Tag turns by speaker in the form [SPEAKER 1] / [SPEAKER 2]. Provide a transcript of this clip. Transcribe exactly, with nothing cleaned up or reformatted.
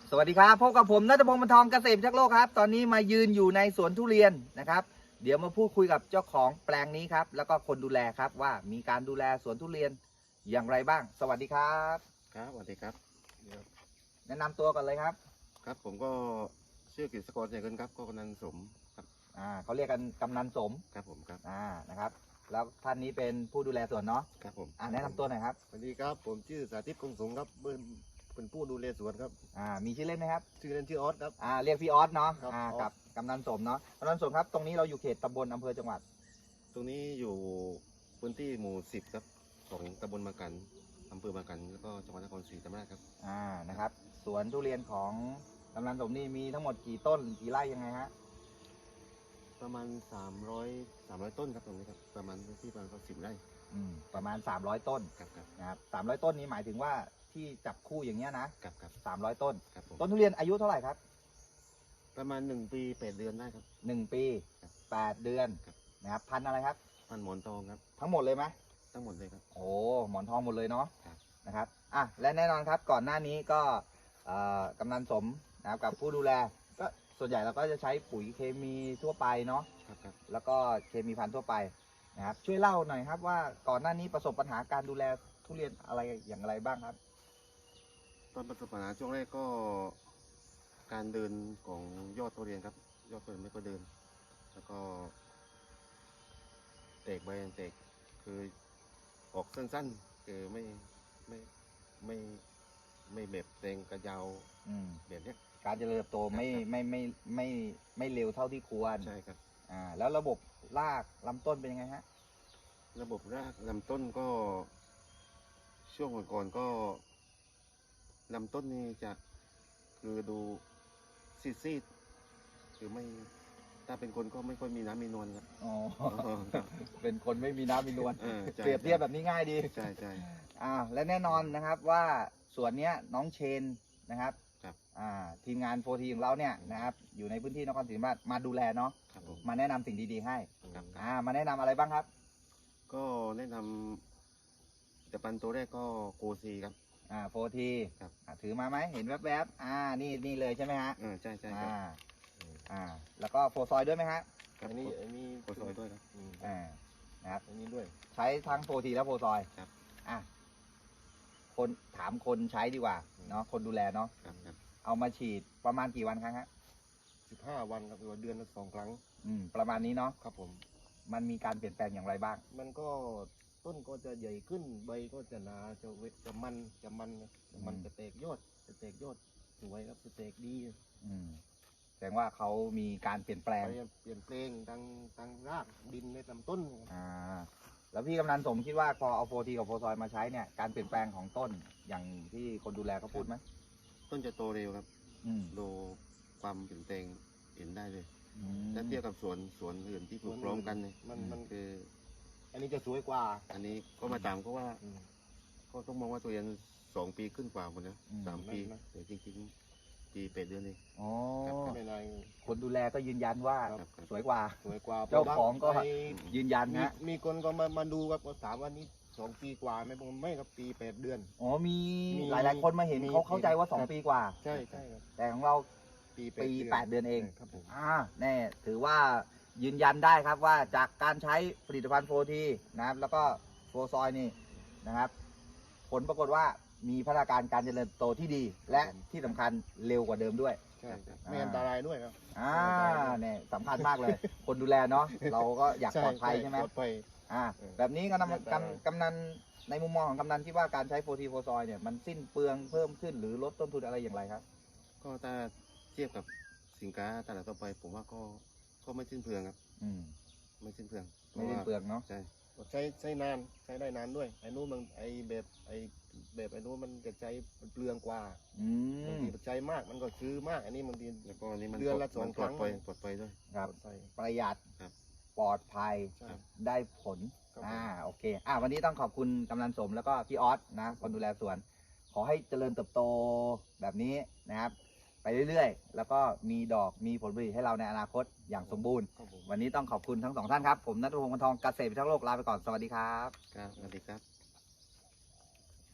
[SPEAKER 1] สวัสดีครับพบกับผมณัฐพงศ์ บรรทองเกษตรพิทักษ์โลกครับตอนนี้มายืนอยู่ในสวนทุเรียนนะครับเดี๋ยวมาพูดคุยกับเจ้าของแปลงนี้ครับแล้วก็คนดูแลครับว่ามีการดูแลสวนทุเรียนอย่างไรบ้างสวัสดีครับ
[SPEAKER 2] ครับสวัสดีครับ
[SPEAKER 1] แนะนำตัวก่อนเลยครับ
[SPEAKER 2] ครับผมก็ชื่อกฤษกรใจเงินครับก็กำนันสมครับ
[SPEAKER 1] อ่าเขาเรียกกันกำนันสม
[SPEAKER 2] ครับผมครับ
[SPEAKER 1] อ่านะครับแล้วท่านนี้เป็นผู้ดูแลสวนเนาะ
[SPEAKER 2] ครับผม
[SPEAKER 1] อ่าแนะนำตัวหน่อยครับ
[SPEAKER 3] สวัสดีครับผมชื่อสาธิตคงสงครับเป็นเป็นผู้ดูแลสวนครับ
[SPEAKER 1] อ่ามีชื่อเล่นไหมครับ
[SPEAKER 3] ชื่อเล่นชื่อออสครับ
[SPEAKER 1] อ่าเรียกพี่ออสเนาะ
[SPEAKER 3] ครับ
[SPEAKER 1] อ่า
[SPEAKER 3] ออส
[SPEAKER 1] กับกำนันสมเนาะกำนันสมครับตรงนี้เราอยู่เขตตำบลอำเภอจังหวัด
[SPEAKER 2] ตรงนี้อยู่พื้นที่หมู่สิบครับของตำบลมากันอำเภอมากันแล้วก็จังหวัดนครศรีธรรมราชครับ
[SPEAKER 1] อ่านะครับสวนทุเรียนของกำนันสมนี่มีทั้งหมดกี่ต้นกี่ไร่ยังไงฮะ
[SPEAKER 2] ประมาณสามร้อยสามร้อยต้นครับตรงนี้ครับประมาณพื้นที่ประมาณสิบไร่
[SPEAKER 1] อืมประมาณสามร้อยต้น
[SPEAKER 2] ครับครับ
[SPEAKER 1] นะครับสามร้อยต้นนี้หมายถึงว่าที่จับคู่อย่างเงี้ยนะครับ
[SPEAKER 2] ครับ
[SPEAKER 1] สามร้อยต้น
[SPEAKER 2] ครับผม
[SPEAKER 1] ต้นทุเรียนอายุเท่าไหร่ครับ
[SPEAKER 2] ประมาณหนึ่งปีแปดเดือนได้ครับ
[SPEAKER 1] หนึ่งปี
[SPEAKER 2] ครับ
[SPEAKER 1] แปดเดือน
[SPEAKER 2] ครับ
[SPEAKER 1] นะครับพันธุ์อะไรครับ
[SPEAKER 2] พันหมอนทองครับ
[SPEAKER 1] ทั้งหมดเลยไหม
[SPEAKER 2] ทั้งหมดเลยครับ
[SPEAKER 1] โอ้หมอนทองหมดเลยเนาะ
[SPEAKER 2] ครับ
[SPEAKER 1] นะครับอ่ะและแน่นอนครับก่อนหน้านี้ก็เอ่อกำนันสมนะครับกับผู้ดูแลก็ส่วนใหญ่เราก็จะใช้ปุ๋ยเคมีทั่วไปเนาะ
[SPEAKER 2] ครับครับ
[SPEAKER 1] แล้วก็เคมีพันธุ์ทั่วไปนะครับช่วยเล่าหน่อยครับว่าก่อนหน้านี้ประสบปัญหาการดูแลทุเรียนอะไรอย่างไรบ้างครับ
[SPEAKER 2] ตอนประสบปัญหาช่วงแรกก็การเดินของยอดทุเรียนครับยอดทุเรียนไม่ก็เดินแล้วก็แตกใบแตกคือออกสั้นๆคือไม่ไม่ไม่ไม่แบบแรงกระยาว
[SPEAKER 1] อืม
[SPEAKER 2] แบบเนี้ย
[SPEAKER 1] การเจริญเติบโตไม่ไม่ไม่ไม่ไม่เร็วเท่าที่ควร
[SPEAKER 2] ใช่ครับ
[SPEAKER 1] อ่าแล้วระบบรากลำต้นเป็นยังไงฮะ
[SPEAKER 2] ระบบรากลำต้นก็ช่วงก่อนๆก็ลำต้นนี่จะคือดูซีดๆคือไม่ถ้าเป็นคนก็ไม่ค่อยมีน้ำมีนวลครับ
[SPEAKER 1] อ๋อ
[SPEAKER 2] ครับ
[SPEAKER 1] เป็นคนไม่มีน้ำมีนวล
[SPEAKER 2] เออใช่
[SPEAKER 1] เปรียบเทียบแบบนี้ง่ายดี
[SPEAKER 2] ใช่ใช่
[SPEAKER 1] อ่าและแน่นอนนะครับว่าส่วนเนี้ยน้องเชนนะครับ
[SPEAKER 2] ครับ
[SPEAKER 1] อ่าทีมงานโฟทีของเราเนี่ยนะครับอยู่ในพื้นที่นครศรีธรรมราชมาดูแลเนาะ
[SPEAKER 2] ครับผม
[SPEAKER 1] มาแนะนำสิ่งดีๆให้
[SPEAKER 2] ครับ
[SPEAKER 1] อ่ามาแนะนำอะไรบ้างครับ
[SPEAKER 2] ก็แนะนำจะปันตัวแรกก็โกซีครับ
[SPEAKER 1] อ่าโฟที
[SPEAKER 2] ครับ
[SPEAKER 1] อ่าถือมาไหมเห็นแวบๆอ่านี่นี่เลยใช่ไหมฮะ
[SPEAKER 2] เออใช่ใช่ครั
[SPEAKER 1] อ่า
[SPEAKER 2] บ
[SPEAKER 1] อ่าแล้วก็โฟซอยด้วยไหมฮะ
[SPEAKER 2] ครับ
[SPEAKER 3] อันนี้อันนี้
[SPEAKER 2] โกซอยด้วยครับ
[SPEAKER 3] อืม
[SPEAKER 1] อ่านะครับ
[SPEAKER 3] อันนี้ด้วย
[SPEAKER 1] ใช้ทั้งโฟทีและโฟซอย
[SPEAKER 2] ครับ
[SPEAKER 1] อ่ะคนถามคนใช้ดีกว่าเนาะคนดูแลเนาะ
[SPEAKER 2] ครับครับ
[SPEAKER 1] เอามาฉีดประมาณกี่วันครั้งฮะ
[SPEAKER 3] สิบห้าวันครับหรือว่าเดือนละสองครั้ง
[SPEAKER 1] อืมประมาณนี้เนาะ
[SPEAKER 3] ครับผม
[SPEAKER 1] มันมีการเปลี่ยนแปลงอย่างไรบ้าง
[SPEAKER 3] มันก็ต้นก็จะใหญ่ขึ้นใบก็จะหนาจะเวทจะมันจะมันนะจะมัน
[SPEAKER 1] อืม
[SPEAKER 3] จะแตกยอดจะแตกยอดสวยครับจะแตกดี
[SPEAKER 1] อืมแสดงว่าเขามีการเปลี่ยนแปลง
[SPEAKER 3] ไปเปลี่ยนแปลงทางทางรากดินในลำต้น
[SPEAKER 1] อ่าแล้วพี่กำนันสมคิดว่าพอเอาโฟทีกับโฟซอยมาใช้เนี่ยการเปลี่ยนแปลงของต้นอย่างที่คนดูแลเขาพูดไหม
[SPEAKER 2] ต้นจะโตเร็วครับ
[SPEAKER 1] อืม
[SPEAKER 2] ดูความเปลี่ยนแปลงเห็นได้เลย
[SPEAKER 1] อืม
[SPEAKER 2] ถ้าเทียบกับสวนสวนอื่นที่ปลูกพร้อมกันเนี่ย
[SPEAKER 3] มันมัน
[SPEAKER 2] คือ
[SPEAKER 3] อันนี้จะสวยกว่า
[SPEAKER 2] อันนี้ก็มาตามก็ว่า
[SPEAKER 3] อืม
[SPEAKER 2] ก็ต้องมองว่าตัวเรียนสองปีขึ้นกว่าหมดนะ
[SPEAKER 1] อืม
[SPEAKER 2] สามปี
[SPEAKER 3] นั่นนะ
[SPEAKER 2] แต่จริงๆปีแปดเดือนเอง
[SPEAKER 1] อ๋อ
[SPEAKER 2] ครับ
[SPEAKER 3] ไม่เป็นไร
[SPEAKER 1] คนดูแลก็ยืนยันว่า
[SPEAKER 2] ครับครับ
[SPEAKER 1] สวยกว่า
[SPEAKER 3] สวยกว่า
[SPEAKER 1] เจ้าของก็
[SPEAKER 3] ไป
[SPEAKER 1] ยืนยัน
[SPEAKER 3] มี
[SPEAKER 1] ฮะ
[SPEAKER 3] มีคนก็มามาดูครับก็ถามว่านี่สองปีกว่าไหม่ผมไม่ครับปีแปดเดือน
[SPEAKER 1] อ๋อมี
[SPEAKER 3] มี
[SPEAKER 1] หลายๆคนมาเห็น
[SPEAKER 3] มี
[SPEAKER 1] เขาเข้าใจว่าสอง
[SPEAKER 3] ครับ
[SPEAKER 1] ปีกว่า
[SPEAKER 3] ใช่ใช่ครับ
[SPEAKER 1] แต่ของเรา
[SPEAKER 3] ปี
[SPEAKER 1] ปีแปดเดือนเอง
[SPEAKER 3] ครับผม
[SPEAKER 1] อ่าแน่ถือว่ายืนยันได้ครับว่าจากการใช้ผลิตภัณฑ์โฟทีนะครับแล้วก็โฟซอยนี่นะครับ ผลปรากฏว่ามีพัฒนาการการเจริญเติบโตที่ดี และที่สำคัญเร็วกว่าเดิมด้วย
[SPEAKER 3] ใช่ครับไม่อันตรายด้วยครับ
[SPEAKER 1] อ่าเนี่ยสำคัญมากเลย คนดูแลเนาะเราก็อยากปลอดภัยใช่ไหม
[SPEAKER 3] ปลอดภัย
[SPEAKER 1] อ่า
[SPEAKER 3] เออ
[SPEAKER 1] แบบนี้กำนัน
[SPEAKER 3] เรียบร้อย
[SPEAKER 1] กำกำนันในมุมมองของกำนันคิดว่าการใช้โฟทีโฟซอยเนี่ยมันสิ้นเปลืองเพิ่มขึ้นหรือลดต้นทุนอะไรอย่างไรครับ
[SPEAKER 2] ก็ถ้าเทียบกับสินค้าตลาดทั่วไป ผมว่าก็ก็ไม่สิ้นเปลืองครับ
[SPEAKER 1] อืม
[SPEAKER 2] ไม่สิ้นเปลือง
[SPEAKER 1] ไม่สิ้นเปลืองเนาะ
[SPEAKER 2] ใช่
[SPEAKER 3] ใช้ใช้นานใช้ได้นานด้วยไอ้นู้นมันไอ้แบบไอ้แบบไอ้นู้นมันจะใช้มันเปลืองกว่า
[SPEAKER 1] อื
[SPEAKER 3] บาง
[SPEAKER 1] ม
[SPEAKER 3] ทีใช้มากมันก็ซื้อมากอันนี้บางที
[SPEAKER 2] แล้วก็อันนี้มัน
[SPEAKER 3] เดือนละ
[SPEAKER 2] ปด
[SPEAKER 3] สอง
[SPEAKER 2] มันปลอด
[SPEAKER 3] ครั้ง
[SPEAKER 2] ภัยปลอดภัยด้วย
[SPEAKER 1] ครับ
[SPEAKER 3] ใส่
[SPEAKER 1] ประหยัด
[SPEAKER 2] ครับ
[SPEAKER 1] ปลอดภัย
[SPEAKER 3] ใช่
[SPEAKER 2] ครับ
[SPEAKER 1] ได้ผล
[SPEAKER 3] ครับ
[SPEAKER 1] อ่าโอเคอ่าวันนี้ต้องขอบคุณกำนันสมแล้วก็พี่ออสนะคนดูแลสวน ขอให้เจริญเติบโตแบบนี้นะครับ ไปเรื่อยๆ แล้วก็มีดอกมีผลผลิตให้เราในอนาคตอย่างสมบูรณ์
[SPEAKER 3] ครับผม
[SPEAKER 1] วันนี้ต้องขอบคุณทั้งสองท่านครับ ผมณัฐพงศ์ บรรทองเกษตรพิทักษ์โลกลาไปก่อนสวัสดีครับ
[SPEAKER 2] ครับสวัสดีครับ